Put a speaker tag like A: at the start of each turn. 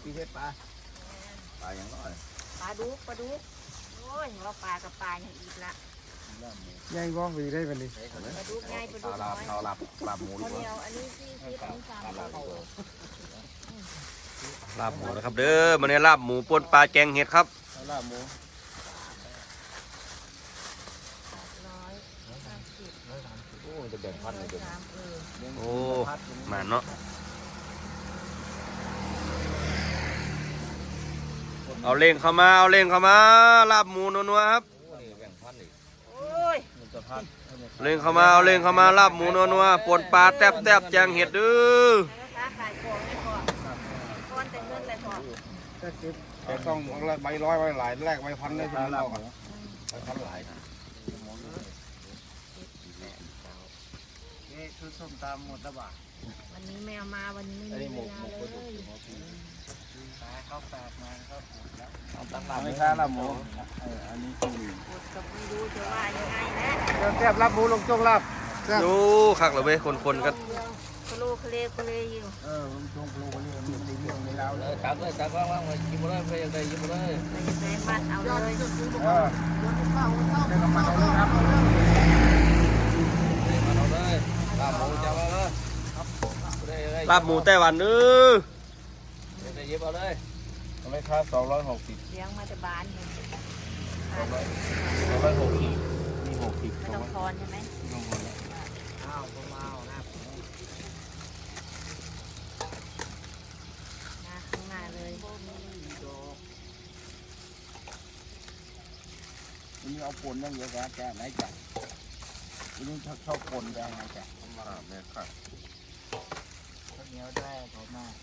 A: ปีเทศปลาอย่างน้อย
B: ปลาดุกโอ้ยว่าปลากับปลาอย่างอีกละ
C: ย่างว่องไปได้ปะนี่
B: ปลาดุกง่ายปลาดุกน้อย
A: เอาลาบหมูดี
B: ข้าว
A: ก
B: เหนี
A: ว่า
B: ยวอันนี้ที่อันนี้3 โล
D: ลาบหมูนะครับเด้อมื้อนี้ลาบหมูป่นปลาแกงเห็ดครับ
A: ลาบหมู
B: 150
A: โอ้จะแบ่งพันเลยเดี๋ยว
D: โอ้มาเนาะเอาเล่งเข้ามาลาบหมูนัวๆครับ
A: แบ่งพันอีก
B: โอ้ย
A: มันจะพัน
D: เล่งเข้ามาลาบหมูนัวๆป่นปลาแซ่บๆแจงเห็ดเด้อ
B: ค้าขายของไม่พอก้อนแต่เงินเลยพอ
A: แต่ต้องใบร้อยใบหลายแลกใบพันได้ถึงเราก่อนใบพันหลายนี่ชุดส้มตำหมดแล้วบ่า
B: วันนี้แมวมาวันนี้ไม่มีเวลาเลย
A: เขาแปลกมาครับไม่ใช่ลาบหมูอันนี้คือ
B: อดกับไม่รู้จะว่ายังไงนะ
A: แซ่บลาบหมูลงจงลาบ
D: ดูคักเลยเว้ยคนๆกัน
B: คโลเคเลอยู่
A: ลงจงปลูกนี่มันดีเรื่องในเราเลย
E: จับเลยจับว่างๆเลยกินมาเลยไปยังไงกินมาเลย
B: ไปยังไงมัดเอาเลย
A: เดี๋ยวมาเอาเลยครับ
E: มาเอาเลยลาบหมูจับมาเลย
D: ลาบหมูไต้หวันเด้อ
E: ได้ยิบเอาเลย
A: ไม่ค่า260
B: เลี้ยงมาแต่บ้านเนี่ย
A: มี60
B: ไม่ต้องทอนใช่ไหม
A: อ้าวผมเอานะ
B: ข้างหน้าเลย
A: วันนี้เอาปนยังเยอะกว่าแกไหนจัดวันนี้ชอบปนแดงไงแกมาแม่ครับข้าวเหนียวได้ผมมา